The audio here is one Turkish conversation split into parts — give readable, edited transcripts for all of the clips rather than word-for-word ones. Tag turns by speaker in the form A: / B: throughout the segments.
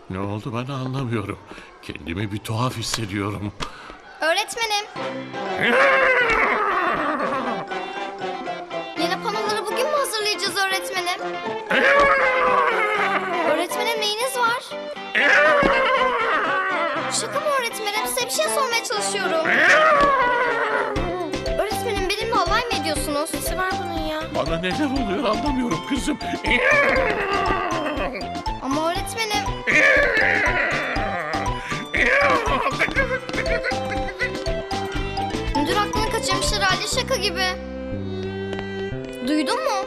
A: Ne oldu bana anlamıyorum. Kendimi bir tuhaf hissediyorum.
B: Öğretmenim. Yeni panoları bugün mü hazırlayacağız öğretmenim? Öğretmenim neyiniz var? Şaka mı öğretmenim? Size bir şey sormaya çalışıyorum. Öğretmenim benimle alay mı ediyorsunuz?
C: Nesi var bunun ya?
A: Bana neler oluyor anlamıyorum kızım.
B: Ama öğretmenim... Müdür aklını kaçırmış herhalde, şaka gibi. Duydun mu?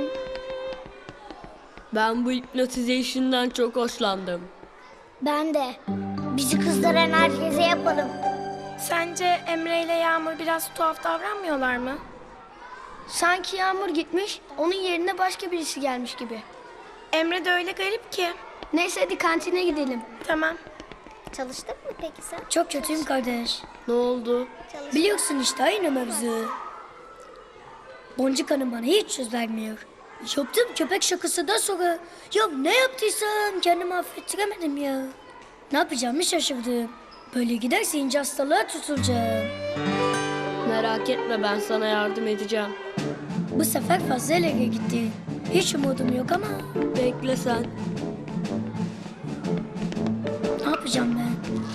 D: Ben bu hypnotization'dan çok hoşlandım.
E: Ben de. Bizi kızdıran herkese yapalım.
C: Sence Emre ile Yağmur biraz tuhaf davranmıyorlar mı?
E: Sanki Yağmur gitmiş, onun yerine başka birisi gelmiş gibi.
C: Emre de öyle garip ki.
E: Neyse hadi kantine gidelim.
C: Tamam.
B: Çalıştık mı peki sen?
E: Çok kötüyüm kardeş.
D: Ne oldu?
E: Biliyorsun işte aynı mevzu. Boncuk Hanım bana hiç söz vermiyor. Yaptığım köpek şakasından sonra ya ne yaptıysam kendimi affettiremedim ya. Ne yapacağımı şaşırdım. Böyle giderse ince hastalığa tutulacağım.
D: Merak etme, ben sana yardım edeceğim.
E: Bu sefer fazla ileri gitti. Hiç umudum yok ama
D: Bekle sen.
E: ne yapacağım ben?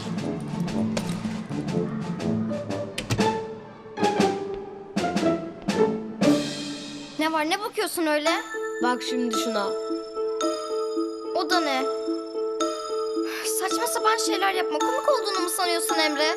B: Ne var, ne bakıyorsun öyle?
D: Bak şimdi şuna.
B: O da ne? Saçma sapan şeyler yapma. Komik olduğunu mu sanıyorsun Emre?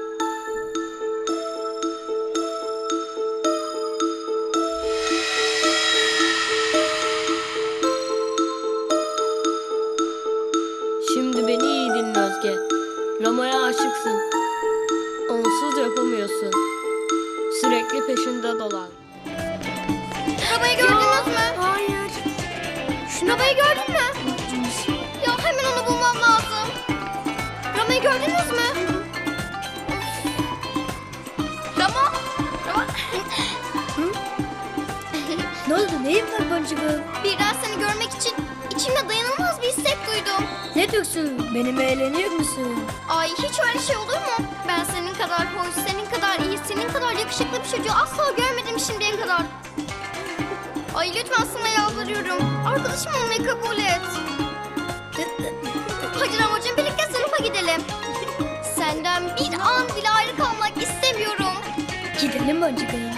D: Şimdi beni iyi dinle Özge. Rama'ya aşıksın. Onsuz yapamıyorsun. Sürekli peşinde dolan.
B: Arabayı gördünüz mü?
E: Hayır.
B: Arabayı gördün mü? Ya hemen onu bulmam lazım. Rama'yı gördünüz mü? Rama! Rama!
E: Ne oldu? Neyin var boncuğum?
B: Birden seni görmek için içimde dayanılmaz bir istek duydum.
E: Ne diyorsun? Benimle eğleniyor musun?
B: Ay hiç öyle şey olur mu? Ben senin kadar hoş, senin kadar iyi, senin kadar yakışıklı bir çocuğu asla görmedim şimdiye kadar. Ay lütfen sana yalvarıyorum. Arkadaşım olmayı kabul et. Hadi Ramazan birlikte sınıfa gidelim. Senden bir an bile ayrı kalmak istemiyorum.
E: Gidelim boncuğum.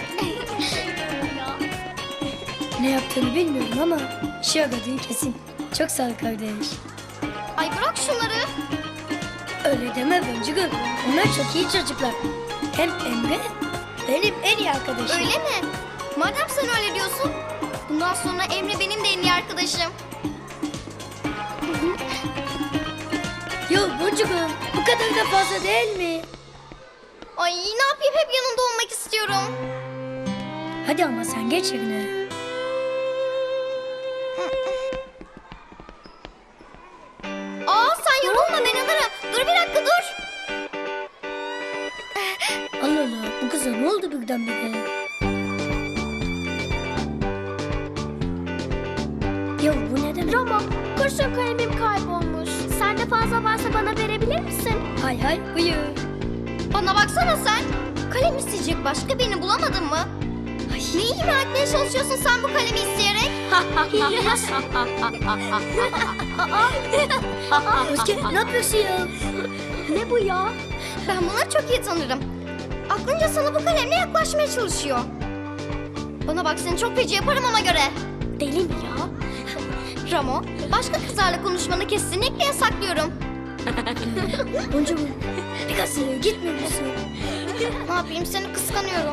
E: Ne yaptığını bilmiyorum ama işe yaradığın kesin. Çok sağ ol kardeş.
B: Ay bırak şunları.
E: Öyle deme boncuğum. Onlar çok iyi çocuklar. Hem Emre benim en iyi arkadaşım.
B: Öyle mi? Madem sen öyle diyorsun, bundan sonra Emre benim de en iyi arkadaşım.
E: Yo boncuğum bu kadar da fazla değil mi?
B: Ay ne yapayım, hep yanında olmak istiyorum.
E: Hadi ama sen geç yerine.
B: Aa sen yorulma, ben alırım. Dur bir dakika dur.
E: Allah Allah bu kıza ne oldu birdenbire? Ya bu ne demek?
C: Rama, kurşun kalemim kaybolmuş. Sende fazla varsa bana verebilir misin?
E: Hay hay buyur.
B: Bana baksana sen. Kalem isteyecek başka birini bulamadın mı? Ne ima etmeye çalışıyorsun sen bu kalemi isteyerek?
E: Özge ne yapıyorsun ya?
B: Ne bu ya? Ben bunları çok iyi tanırım. Aklınca sana bu kalemle yaklaşmaya çalışıyor. Bana bak, seni çok feci yaparım ona göre.
E: Deli mi ya?
B: Ramo, başka kızlarla konuşmanı kesinlikle yasaklıyorum.
E: Boncuğum biraz ileri gitmiyor musun?
B: Ne yapayım, seni kıskanıyorum.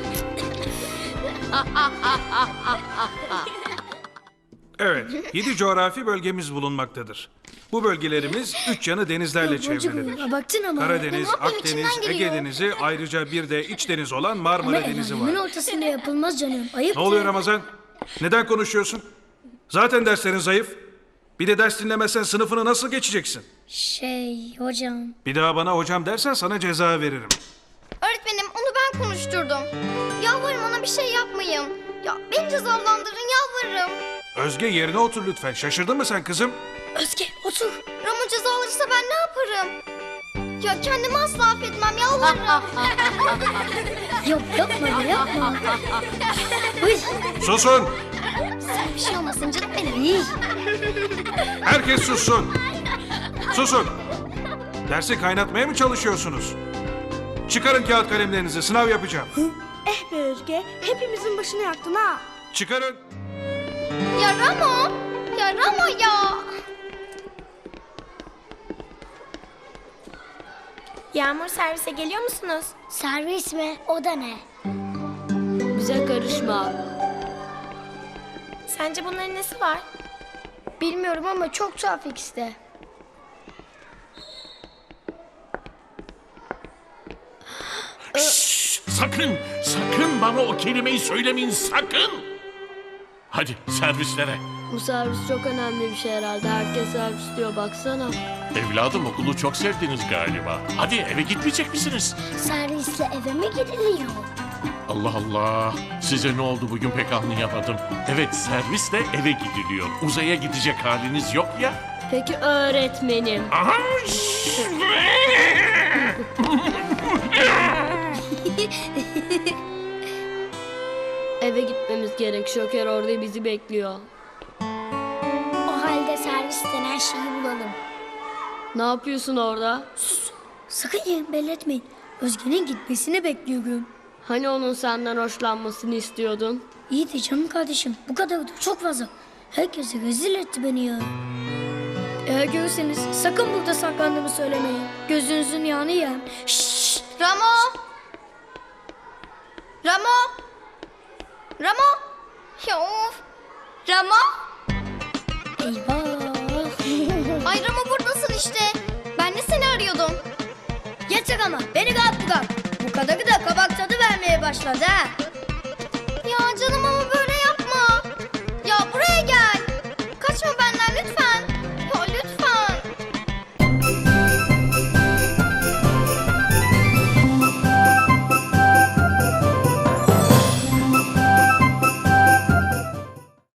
F: Evet, 7 coğrafi bölgemiz bulunmaktadır. Bu bölgelerimiz 3 yanı denizlerle çevrilidir.
E: Boncuğum abarttın ama.
F: Karadeniz,
B: Ne yapayım,
F: Akdeniz,
B: içimden
F: Ege
B: geliyor.
F: Denizi, ayrıca bir de iç deniz olan Marmara
E: Ama
F: Denizi
E: el-alemin
F: var.
E: ortasında yapılmaz canım. Ayıp.
F: Ne oluyor Ramazan? Neden konuşuyorsun? Zaten derslerin zayıf. Bir de ders dinlemezsen sınıfını nasıl geçeceksin?
E: Hocam.
F: Bir daha bana hocam dersen sana ceza veririm.
B: Öğretmenim, onu ben konuşturdum. Yalvarırım ona bir şey yapmayın. Ya beni cezalandırın, yalvarırım.
F: Özge yerine otur lütfen. Şaşırdın mı sen kızım?
E: Özge otur.
B: Ramo ceza alırsa ben ne yaparım? Ya kendimi asla affetmem yalvarırım.
E: Yok yapma ya yapma. Uy.
F: Susun!
B: Bir şey olmasın canım benim.
E: İyi.
F: Herkes sussun. Susun. Dersi kaynatmaya mı çalışıyorsunuz? Çıkarın kağıt kalemlerinizi. Sınav yapacağım.
C: Eh be Özge, hepimizin başını yaktın ha.
F: Çıkarın.
B: Ya Ramo. Ya Ramo ya.
C: Yağmur servise geliyor musunuz?
E: Servis mi? O da ne?
D: Bize karışma.
C: Sence bunların nesi var?
E: Bilmiyorum ama çok tuhaf ikisi de.
A: Sakın, sakın bana o kelimeyi söylemeyin, sakın. Hadi servislere.
D: Bu servis çok önemli bir şey herhalde. Herkes servis diyor baksana.
A: Evladım okulu çok sevdiniz galiba. Hadi eve gitmeyecek misiniz?
E: Servisle eve mi gidiliyor?
A: Allah Allah. Size ne oldu bugün pek anlayamadım. Evet servisle eve gidiliyor. Uzaya gidecek haliniz yok ya.
D: Peki öğretmenim.
A: Aha!
D: Eve gitmemiz gerek. Şoker orada bizi bekliyor.
E: O halde servisten her şeyi bulalım.
D: Ne yapıyorsun orada?
E: Sakın yerini belli etmeyin. Özge'nin gitmesini bekliyorum.
D: Hani onun senden hoşlanmasını istiyordun?
E: İyi de canım kardeşim. Bu kadar da çok fazla. Herkese rezil etti beni ya. Eğer görürseniz sakın burada saklandığımı söylemeyin. Gözünüzün yağını yiyem. Şşş.
B: Ramo. Ramo. Ramo. Ya of. Ramo.
E: Eyvah.
B: Ay Ramo buradasın işte. Ben de seni arıyordum.
E: Yeter ama beni rahat bırak. Bu kadarı da kabak tadı vermeye başladı ha.
B: Ya canım ama